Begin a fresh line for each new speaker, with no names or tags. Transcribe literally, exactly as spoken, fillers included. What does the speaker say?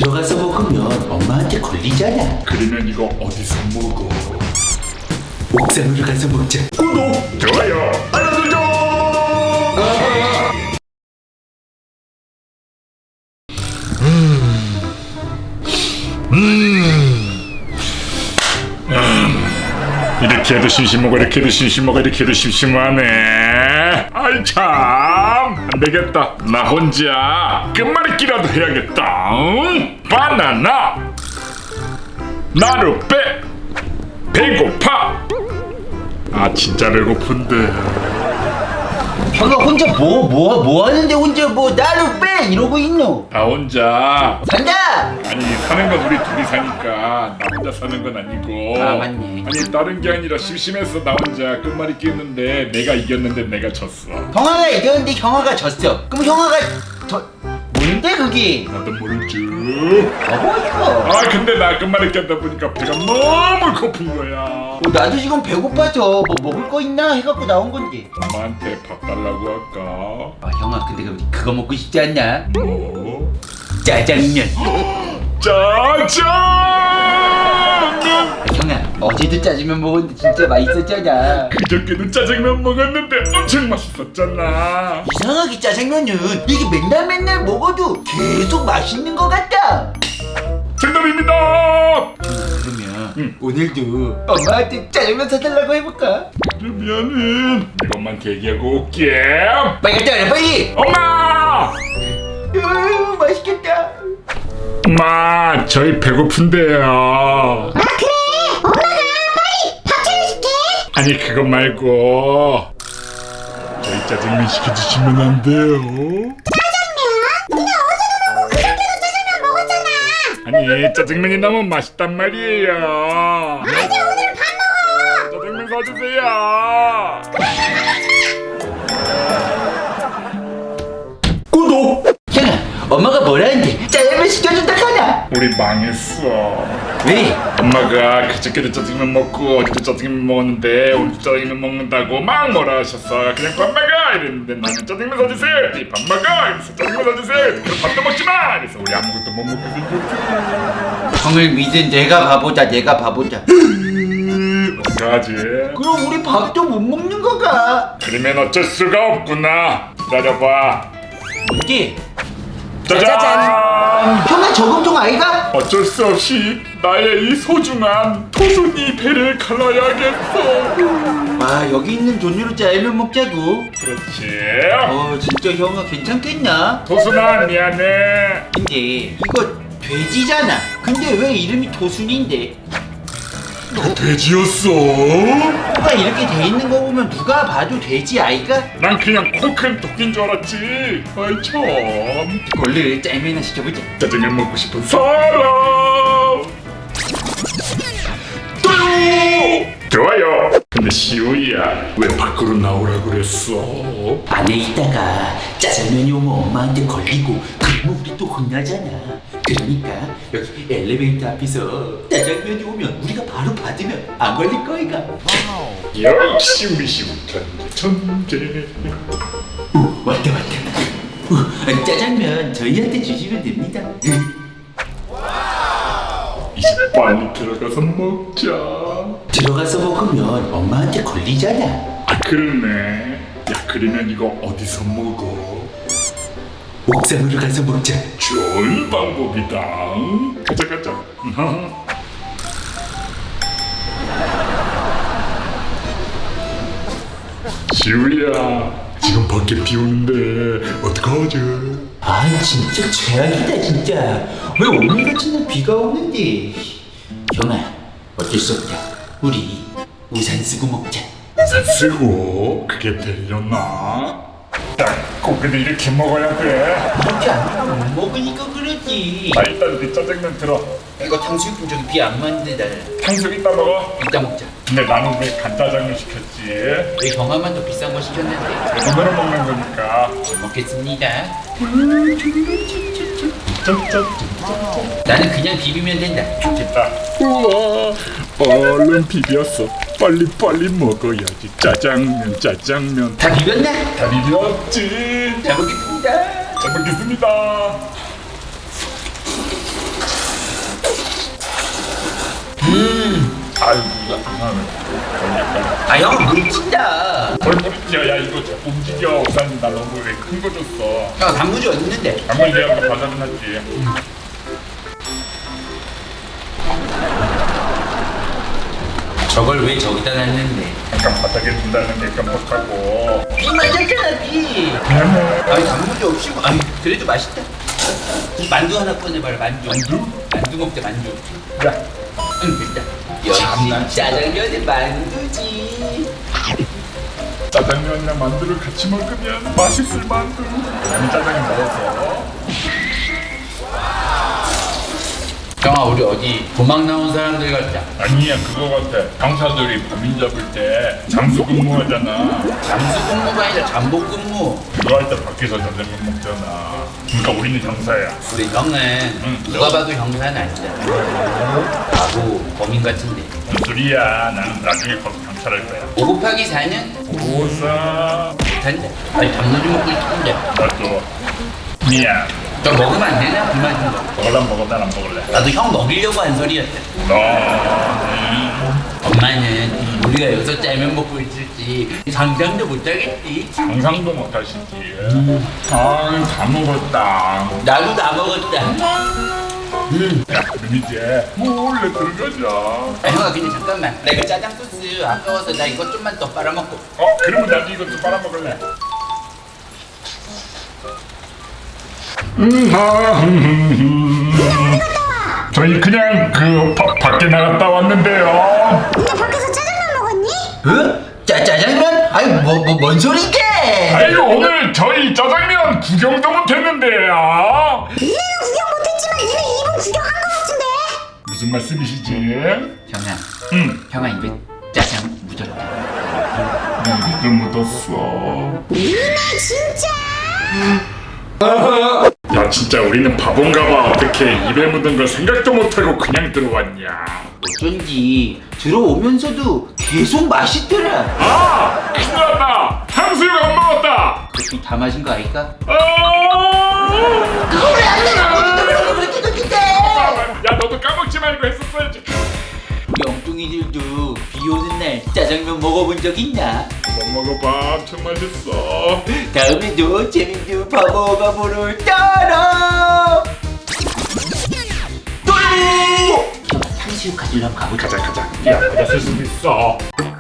들어가서 먹으면 엄마한테 걸리잖아.
그러면 이거 어디서 먹어?
옥상으로 가서 먹자.
구독, 좋아요, 알람 설정. 음, 음, 음. 이렇게 해도 심심하고 이렇게 해도 심심하고 이렇게 해도 심심하네. 아이 참, 안 되겠다. 나 혼자 끝말잇기라도 해야겠다. 응? 바나나 나루 빼 배고파. 아 진짜 배고픈데.
형아 혼자 뭐 뭐 뭐 하는데 혼자 뭐 나를 빼 이러고 있노?
나 혼자.
산다.
아니 사는 건 우리 둘이 사니까 나 혼자 사는 건 아니고.
아, 맞네.
아니 다른 게 아니라 심심해서 나 혼자 끝말잇기 했는데 내가 이겼는데 내가 졌어.
형아가 이겼는데 형아가 졌어. 그럼 형아가 저 뭔데 그게?
나도 모르지.
뭐야?
아 근데 나 끝말잇기 하다 보니까 배가 너무 고픈 거야.
어, 나도 지금 배고파서 뭐 먹을 거 있나 해갖고 나온 건데.
엄마한테 밥 달라고 할까?
아 형아 근데 그- 그거 먹고 싶지 않냐?
뭐?
짜장면.
짜장면!
아, 형아 어제도 짜장면 먹었는데 진짜 맛있었잖아.
그저께도 짜장면 먹었는데 엄청 맛있었잖아.
이상하게 짜장면은 이게 맨날 맨날 먹어도 계속 맛있는 것 같다.
정답입니다.
그러면
응.
오늘도 엄마한테 짜장면 사달라고 해볼까?
그러면은 내가 엄마한테 얘기하고 올게.
빨리 갔다 와라 빨리.
엄마!
으, 맛있겠다.
엄마, 저희 배고픈데요.
아 그래? 엄마가 빨리 밥 차려줄게.
아니 그거 말고 저희 짜장면 시켜주시면 안 돼요?
짜장면? 근데 어제도 먹고 그저께도 짜장면 먹었잖아.
아니 짜장면이 너무 맛있단 말이에요.
아니 오늘은 밥 먹어.
짜장면 사주세요. 구독.
형아 엄마가 뭐라는데 짜장면 시켜준다 하나.
우리 망했어.
왜?
엄마가 그저께도 짜장면 먹고 어제도 짜장면 먹었는데 오늘도 짜장면 먹는다고 막 뭐라 하셨어. 그냥 밥 먹어 이랬는데 나는 짜장면 사주세요. 이 밥 먹어 이래서 짜장면 사주세요. 그럼 밥도 먹지 마. 그래서 우리 아무것도 못 먹게 생겼어.
형을 믿은 내가 바보다 내가 바보다.
어떡하지?
그럼 우리 밥도 못 먹는 거가?
그러면 어쩔 수가 없구나. 기다려봐.
뭔데?
짜잔!
형아 저금통 아이가?
어쩔 수 없이 나의 이 소중한 토순이 배를 갈라야겠어.
아 여기 있는 돈으로 짜장면 먹자고.
그렇지.
어 진짜 형아 괜찮겠나?
토순아 미안해.
근데 이거 돼지잖아. 근데 왜 이름이 토순인데?
너 돼지였어?
코가 이렇게 돼 있는 거 보면 누가 봐도 돼지 아이가?
난 그냥 코 큰 토끼인 줄 알았지. 아이 참.
얼른 짜장면이나 시켜보자.
짜장면 먹고 싶은 사람. 좋아요. 좋아요. 근데 시우야 왜 밖으로 나오라 그랬어?
안에 있다가 짜장면이 오면 엄마한테 걸리고 그러면 우리 또 혼나잖아. 그러니까 여기 엘리베이터 앞에서 짜장면이 오면 우리가 바로 받으면 안 걸릴 거이가.
역시 우리 시우 천재.
오 왔다 왔다. 오, 짜장면 저희한테 주시면 됩니다.
이제 빨리 들어가서 먹자.
들어가서 먹으면 엄마한테 걸리잖아.
아 그러네. 야 그러면 이거 어디서 먹어?
옥상으로 가서 먹자.
좋은 방법이다. 가자 가자. 시우야 지금 밖에 비 오는데 어떡하지?
아 진짜 최악이다 진짜. 왜 오늘 같은 날 비가 오는데. 형아 어쩔 수 없다. 우리 우산 쓰고 먹자.
우산 쓰고 그게 되려나? 딱 고기도 이렇게 먹어야 돼.
이렇게 안 하면 못 먹으니까 그러지.
나 일단 네 짜장면 들어.
이거 탕수육 좀 저기 비 안 맞는데.
탕수육 이따 먹어.
이따 먹자.
근데 나는 왜 간짜장면 시켰지?
왜 형아만 더 비싼 거 시켰는데.
오늘은 먹는 거니까.
잘 먹겠습니다.
짠짠짠.
나는 그냥 비비면 된다.
좋겠다. 우와, 얼른 비볐어. 빨리 빨리 먹어야지. 짜장면, 짜장면.
다 비볐나?
다 비볐지.
잘 먹겠습니다.
잘 먹겠습니다.
음.
아유 이거 이상하네.
아 형 물친다.
뭘 모르지야. 야 이거 자꾸 움직여. 우선 나 너무 왜 큰 거 줬어.
형 단무지 어디 있는데?
방금 이제 아까 받아놨지.
저걸 왜 저기다 놨는데?
잠깐 바닥에 둔다는 게 깜빡하고.
비 맞았잖아 비. 아니 단무지 없이 뭐- 아니 그래도 맛있다. 만두 하나 꺼내봐라 만두.
만두?
만두 먹자 만두.
야
응 됐다. 역시 짜장면은 만두지.
짜장면이랑 만두를 같이 먹으면 맛있을 만두. 난 짜장면 먹었어.
형아 우리 어디 도망 나온 사람들 같자.
아니야 그거 같아. 강사들이 범인 잡을 때 잠수 근무하잖아.
잠수 근무가 아니라 잠복 근무.
그거 할 때 밖에서 짜장면 먹잖아. 그러니까 우리는 형사야.
우리 형은
응.
누가 봐도 형사는 아니잖아. 바보 범인 같은데.
무슨 소리야. 난 나중에 거 경찰 할 거야.
오 곱하기 사는
오사.
못한다. 아니 단무지 먹고 싶은데.
나도 미안.
너 먹으면 안 되나? 그만 좀 먹어.
먹을란 먹어. 난 안 먹을래.
나도 형 먹이려고 한 소리였다.
너는
엄마는 우리가 여기서 짜면 먹고 있을지 상상도 못하겠지.
상상도 못하시지. 아다 먹었다.
나도 다 먹었다. 음.
야 그럼 이제 몰래 들어가자.
아, 형아 근데 잠깐만. 나 이거 짜장 소스 아까워서 나 이거 좀만 더 빨아먹고.
어 그러면 나도 이것도 빨아먹을래. 음, 아, 음, 저희 그냥 그 바, 밖에 나갔다 왔는데요.
근데 밖에서 짜장면 먹었니?
어? 짜 짜장면? 아니 뭐뭐뭔 소리게?
아유 오늘 저희 짜장면 구경도 못했는데요.
니네는 구경 못했지만 니네 입은 구경한 거 같은데?
무슨 말씀이시지?
형아,
응,
형아 입에 짜장 묻었다.
입에 묻었어.
니네 진짜
야 진짜 우리는 바본가봐. 어떻게 입에 묻은 걸 생각도 못하고 그냥 들어왔냐.
어쩐지 들어오면서도 계속 맛있더라.
아 큰일 났다. 탕수육 안 먹었다.
커피 다 마신 거 아닐까?
아!
그걸 안 내가 그렇게 그렇게
야 너도 까먹지 말고 했었어야지.
우리 엉뚱이들도 비 오는 날 짜장면 먹어본 적 있나?
못 먹어봐. 엄청 맛있어.
다음에도 재밌는 바보가 보를 따라. 또 탕수육 가지러 한번 가보자.
가자 가자. 야 맞았을 수도 있어.